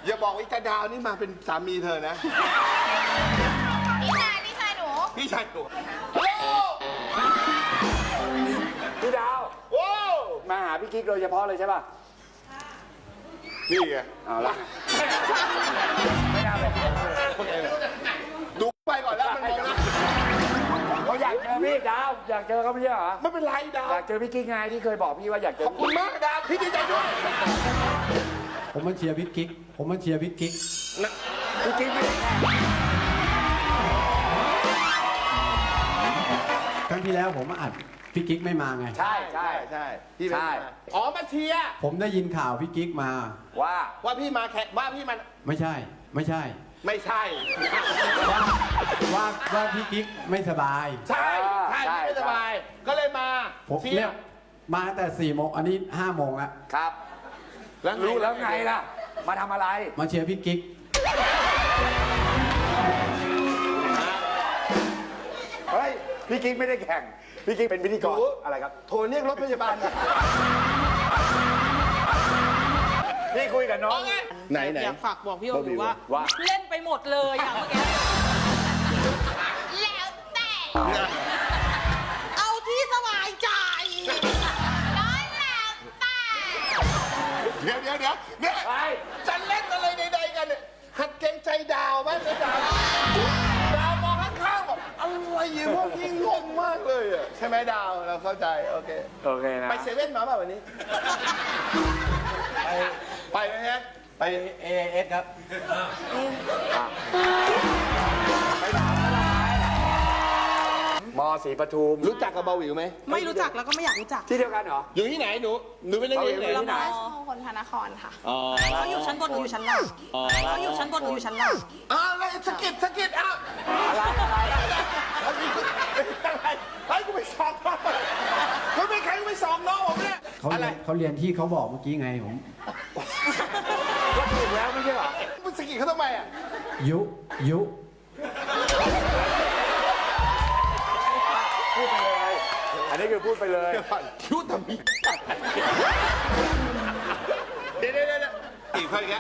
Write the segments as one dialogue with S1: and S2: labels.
S1: อย่าบอกว่าจะดาวนี่มาเป็นสามีเธอนะ
S2: พี่ชายหนู
S1: พี่ชายหนู
S3: พี่ดาว
S1: โอ้
S3: มาหาพี่กิ๊กโดยเฉพาะเลยใช่ป่ะ
S1: นี่ไง
S3: เอาละไม่น่าเป็น
S1: ดูไปก่อนแล้วมันมองนะ
S3: เขาอยากเจอพี่ดาวอยากเจอเขาไม่ใช่เหรอ
S1: ไม่เป็นไรดาว
S3: อยากเจอพี่กิ๊กไงที่เคยบอกพี่ว่าอยากเจ
S1: ข
S3: อ
S1: อบคุณมากดาวพี่ดีใจด้วย
S4: ผมมาเชียร์พี่กิ๊ก ผมมาเชียร์พี่กิ๊ก
S3: พี่กิ๊กไม่ได้
S4: ครั้งที่แล้วผมมาอัดพี่กิ๊กไม่มาไง
S3: ใช่ใช่
S1: ใช่พี่
S3: ใช่
S1: อ๋อมาเชียร์
S4: ผมได้ยินข่าวพี่กิ๊กมา
S3: ว่า
S1: พี่มาแข่ว่าพี่มัน
S4: ไม่ใช่ ไม่ใช่
S1: ไม่ใช่
S4: ว่าพี่กิ๊กไม่สบาย
S1: ใช่พี่ไม่สบาย ก็เลยมา
S4: ผม
S1: เชีย
S4: เนี่ย
S1: ร์
S4: มาตั้งแต่4 โมง อันนี้5 โมงแล้ว
S3: ครับรู้แล้วไงล่ะ มาทำอะไร
S4: มาเชียร์พี่กิ๊ก
S3: เฮ้ยพี่กิ๊กไม่ได้แข่งพี่กิ๊กเป็นพิธีกรอะไรครับ
S1: โทรเรียกรถพยาบาล
S3: พี่คุยกับน้อง
S1: ไหน
S5: อยากฝากบอกพี่โออยู่ว่า
S3: ว่า
S5: เล่นไปหมดเลยอย่างเมื่อกี้
S2: แล้วแต่
S5: เอาที่สบายใจ
S2: ร้อยแล้วแต่
S1: เดี๋ยวเนี่ย
S3: ไป
S1: จะเล่นอะไรใดๆกันเนี่ยหัดเกรงใจดาวบ้างนะดาวมองข้างๆบอกอะไรอยู่พวกนี้งงมากเลยอ่ะใช่ไหมดาวเราเข้าใจโอเค
S3: โอเคนะ
S1: ไปเซเว่นมาเปล่าวันนี้ ไปไหมฮะไป
S4: AS ครับ
S3: มศรีปทุม
S1: รู้จักกับเบาหวิวไหม
S5: ไม่รู้จักแล้วก็ไม่อยากรู้จัก
S3: ที่เดียวกันเหรอ
S1: อยู่ที่ไหนหนูเป็นนักเรียนไหน
S5: ละมอ
S2: คนพระนครค่ะ
S1: อ๋อ
S5: เขาอยู่ชั้นบนหนูอยู่ชั้นล่างเขาอยู่ชั้นบนหนูอยู่ชั้นล่าง
S1: อะไรสกิดอ้าว
S3: อะไร
S1: ให้กูไปสอบน้องเขาไม่ใครกูไปสอบน้องผมเนี่ย
S4: เขาเรียนที่เขาบอกเมื่อกี้ไงผม
S3: ก็ถูกแล้วไม่ใช่เหรอ
S1: มึงสกิดเขาทำไมอ่ะ
S4: ยุ
S3: พูดไปเลย อันนี้คือพูดไปเลย
S1: คิ้วทำมีเดี๋ยวอีกคนอีกแล้ว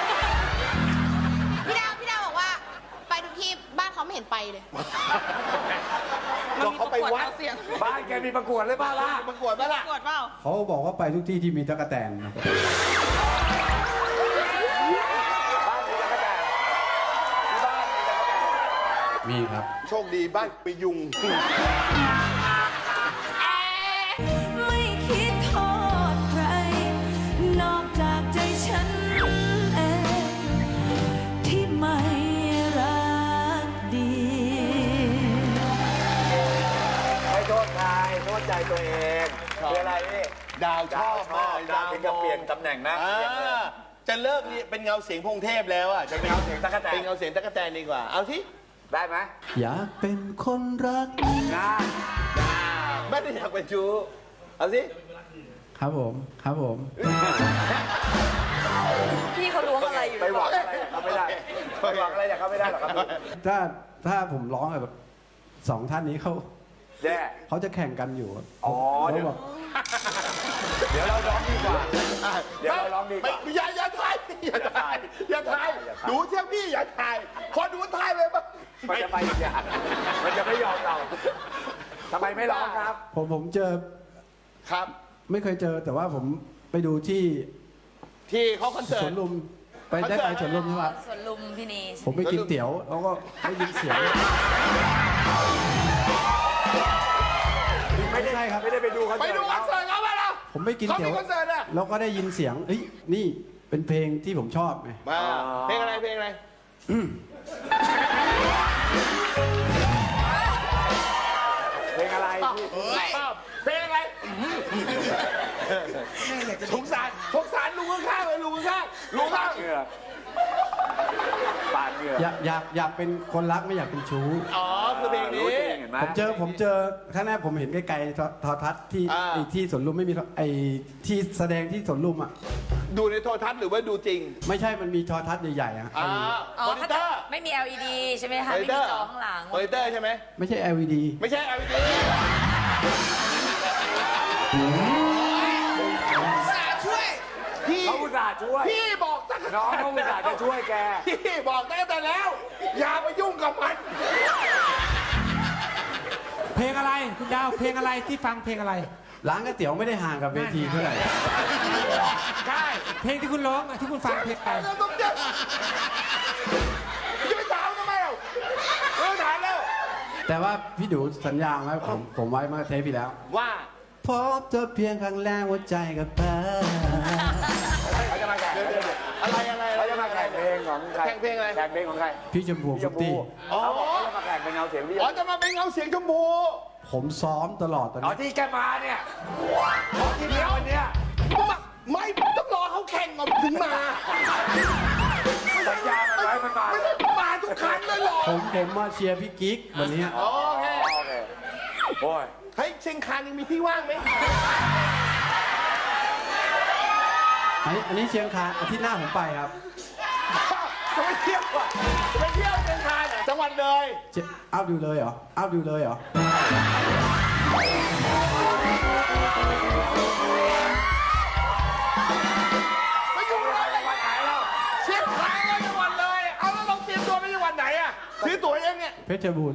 S2: พี่ดาวบอกว่า ไปทุกที่บ้านเขาไม่เห็นไปเลย
S5: มันมีประกวดเอาเสียง
S3: บ้านแกมีประกวดเลยบ้าล่ะ
S1: ประกวดป่ะล่ะ
S5: ประกวดเปล่า
S4: เขาบอกว่าไปทุกที่ที่มีตะกแตนนะ
S3: บ้านมีตะกแตนที่บ้านมีตะกแตน
S4: มีครับ
S1: โชคดีบ้านไปยุง
S6: ไม่คิดโทษใคร นอกจากใจฉันเองที่ไม่รักดี
S3: ไม่โทษใครโทษใจตัวเองคืออะไรนี่
S1: ดาวชอบมาก
S3: ดาวถึงกับเปลี่ยนตำแหน่งนะ
S1: จะเลิกนี่เป็นเงาเสียงพงเทพแล้วอ่ะจะเป็นเงาเสียง
S3: ตั๊กแตน
S1: เป็นเงาเสียงตั๊กแตนดีกว่าเอาที่
S3: ได้ไหม
S4: อยากเป็นคนรัก
S3: นะ
S1: ไม่ได้อยากเป็นชู้เอาสิ
S4: ครับผม ครับผม
S5: พี่เขาล้วงอะไรอยู่
S3: ไปหวังอะไรเขาไม่ได้ไปหวังอะไรจากเขาไม่ได้หรอกครับ
S4: ถ้าผมร้องแบบ2 ท่านนี้เขา
S3: แย่
S4: เขาจะแข่งกันอยู่
S3: อ๋อเดี๋ยว
S4: ขาบอก
S3: เดี๋ยวเราร้องดีกว่า เดี๋ยวเราร้องดีกว่า
S1: ไม่อย่าถ่ายดูเชื่อพี่อย่าถ่ายขอดูถ่ายเลยป่ะ
S3: มันจะไปอีกอย่างมันจะไม่ยอมเราทำไมไม่ร้องครับ
S4: ผมเจอ
S1: ครับ
S4: ไม่เคยเจอแต่ว่าผมไปดูที่
S1: ที่เขาคอนเสิ
S4: ส
S1: ร์
S4: ว
S1: ต
S4: นลุมไปได้ไปสวนลุมใช่ปะ
S6: ส่วนลุมพินี
S4: ผมไปกินเตี๋ยวแล้วก็ได้ยินเสียง
S3: ไม่ได้
S4: ใช่ครับ
S3: ไม่ได้ไปดูคอน
S1: ไป
S3: เสิร์ต
S1: ดูคอนเสิร์ตเขาไปแล้ว
S4: ผมไปกิน
S1: เขา
S4: เตี๋ย
S1: มี
S4: ว
S1: คอนเสิร์ตอะ
S4: แล้วก็ได้ยินเสียงเอ้ยนี่เป็นเพลงที่ผมชอบไง
S1: มาเพลงอะไรเพลงอะไร
S3: เพลงอะไรที่
S1: เพลงอะไรสงสารลุงข้างๆเลยลุงข้าง
S3: เหงื่อปาดเหงื่อ
S4: อยากเป็นคนรักไม่อยากเป็นชู้
S1: อ๋อคือเพลงนี้
S3: รู้จริงเห็นไหม
S4: ผมเจอครั้งแรกผมเห็นไกลๆโทรทัศน์ที่
S1: อ่า
S4: ไอ้ที่สวนลุมไม่มีไอ้ที่แสดงที่สวนลุมอ่ะ
S1: ดูในโทรทัศน์หรือว่าดูจริง
S4: ไม่ใช่มันมีโทรทัศน์ใหญ่ๆอ่ะ
S1: อ๋อ
S6: อ๋อ
S1: มอนิเตอร์
S6: ไม่มี LED ใช่ไหมคะ ไม่มีจอข้างหลัง
S1: มอนิเตอร์ใช่ไหม
S4: ไม่ใช่ LED
S1: ไม่ใช่ LED พี่
S3: เขาอุตส่าห์ช่วย
S1: พี่บอกตั้งแต่
S3: น้องเขาอุตส่าห์จะช่วยแก
S1: พี่บอกตั้งแต่แล้ว อย่าไปยุ่งกับมัน
S7: เพลงอะไรคุณดาวเพลงอะไรที่ฟังเพลงอะไร
S4: ร้านก๋วยเตี๋ยวไม่ได้ห่างกับเวทีเท่าไหร่
S1: ใช่
S7: เพลงที่คุณร้องอะที่คุณฟังเพลงอะไร
S1: แล้วต้องจะไปถามทำไมอ่ะถามแล้ว
S4: แต่ว่าพี่ดูสัญญาไว้ผมไว้เมื่อเทปที่แล้ว
S1: ว่า
S4: พบเธอเพียงครั้งแรกหัวใจก็เปิด
S3: เขาจะมาแข่ง
S1: อะไร
S3: เขาจะมาแข่งเพลงของใคร
S1: แข่งเพลงอะไร
S3: แข่งเพลงของใคร
S4: พี่ชมพู
S3: พี่ช
S4: ฟุ
S3: ม
S4: ต
S3: พู
S4: ตี้
S3: เขาบอกเขาจะมาแข่งเป็นเงาเสียงพี่ช
S1: อ๋อ
S3: มพู
S1: จะมาเป็นเงาเสียงชมพู
S4: ผมซ้อมตลอดตอน
S3: อ๋อ
S4: นี้
S3: ที่แกมาเนี่ยอ๋อที่เดียววันเนี้ย
S1: ไม่ต้องรอเขาแข่งก่อนถึงมา
S3: สัญญามันไว้มันมา
S1: ไม่ได้มาทุกครั้งเลยหรอ
S4: ผมมาเชียร์พี่กิ๊กวันนี้
S1: โอเค
S3: โอเคโอ้ย
S1: เฮ้ยเชียงคานยังมีที่ว่างไหม
S4: อันนี้เชียงคานอาทิตย์หน้าผมไปครับ
S1: จะไปเที่ยวอ่ะจะไปเที่ยวเชียงคานจังหวัดเลย
S4: อ้าวดูเลยเหรออ้าวดูเลยเหรอ
S1: ไม่อยู่เลยจังหวัดไหนเราเชียงคานเลยจังหวัดเลย เอาแล้วเราเตรียมตัวไปจังหวัดไหนอ่ะซื้อตั๋วเองเนี่ย
S4: เพชรบูรณ์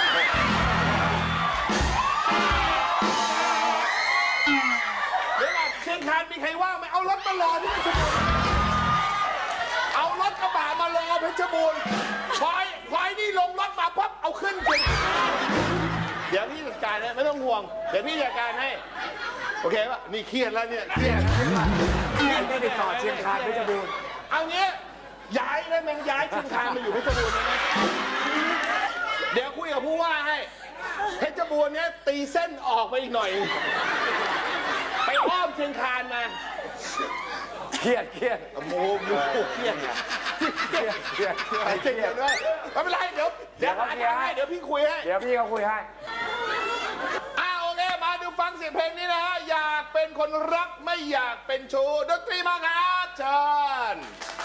S1: เดี๋ยวก่อนเชียงคานมีใครว่างไหมเอารถมารอที่เพชรบูรณ์เอารถกระบะมารอเพชรบูรณ์พอยนี่ลงรถมาปั๊บเอาขึ้นจริงเดี๋ยวพี่จัดการให้ไม่ต้องห่วง เดี๋ยวพี่จัดการให้ โอเคป่ะนี่เครียดแล้วเนี่ยเครียด
S3: ไม่ติดต่อเชียงคานเพชรบูรณ์
S1: เอางี้ย้ายได้ไหมย้ายเชียงคานมาอยู่เพชรบูรณ์ได้ไหมเดี๋ยวคุยกับผู้ว่าให้เพชรบูรณ์เนี้ยตีเส้นออกไปอีกหน่อย ไปอ้อมเชียงคานมา
S3: เครียด
S1: โอ้โหเครียดเนี่ย
S3: เครียด
S1: เครียดด้วยไม่เป็นไรเดี๋ยวหาทางให้เดี๋ยวพี่คุยให้
S3: เดี๋ยวพี่เขาคุยให้
S1: โอเคมาดูฟังเสียงเพลงนี้นะฮะอยากเป็นคนรักไม่อยากเป็นชู้ดนตรีมาครับเชิญ